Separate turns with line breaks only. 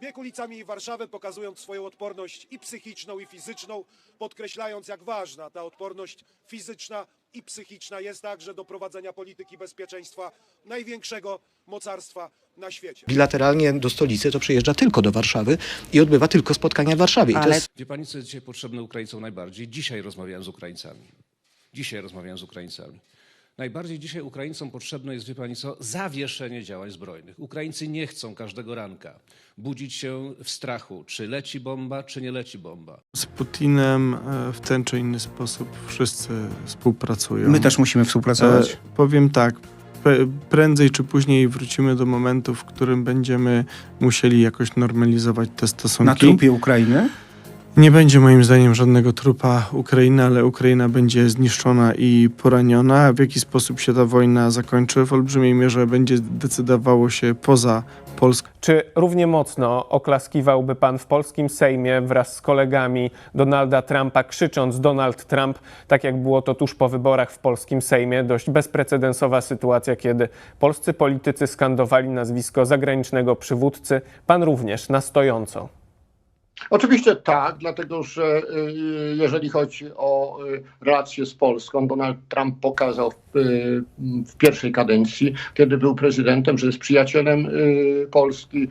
Bieg ulicami Warszawy, pokazując swoją odporność i psychiczną, i fizyczną, podkreślając, jak ważna ta odporność fizyczna i psychiczna jest także do prowadzenia polityki bezpieczeństwa największego mocarstwa na świecie.
Bilateralnie do stolicy to przyjeżdża tylko do Warszawy i odbywa tylko spotkania w Warszawie. I to jest...
Wie pani, co jest dzisiaj potrzebne Ukraińcom najbardziej? Dzisiaj rozmawiałem z Ukraińcami. Najbardziej dzisiaj Ukraińcom potrzebne jest, wie pani co, zawieszenie działań zbrojnych. Ukraińcy nie chcą każdego ranka budzić się w strachu, czy leci bomba, czy nie leci bomba.
Z Putinem w ten czy inny sposób wszyscy współpracują.
My też musimy współpracować.
Powiem tak, prędzej czy później wrócimy do momentu, w którym będziemy musieli jakoś normalizować te stosunki.
Na trupie Ukrainy?
Nie będzie moim zdaniem żadnego trupa Ukrainy, ale Ukraina będzie zniszczona i poraniona. W jaki sposób się ta wojna zakończy, w olbrzymiej mierze będzie decydowało się poza Polską.
Czy równie mocno oklaskiwałby pan w polskim Sejmie wraz z kolegami Donalda Trumpa, krzycząc Donald Trump, tak jak było to tuż po wyborach w polskim Sejmie? Dość bezprecedensowa sytuacja, kiedy polscy politycy skandowali nazwisko zagranicznego przywódcy. Pan również na stojąco.
Oczywiście tak, dlatego że jeżeli chodzi o relacje z Polską, Donald Trump pokazał w pierwszej kadencji, kiedy był prezydentem, że jest przyjacielem Polski,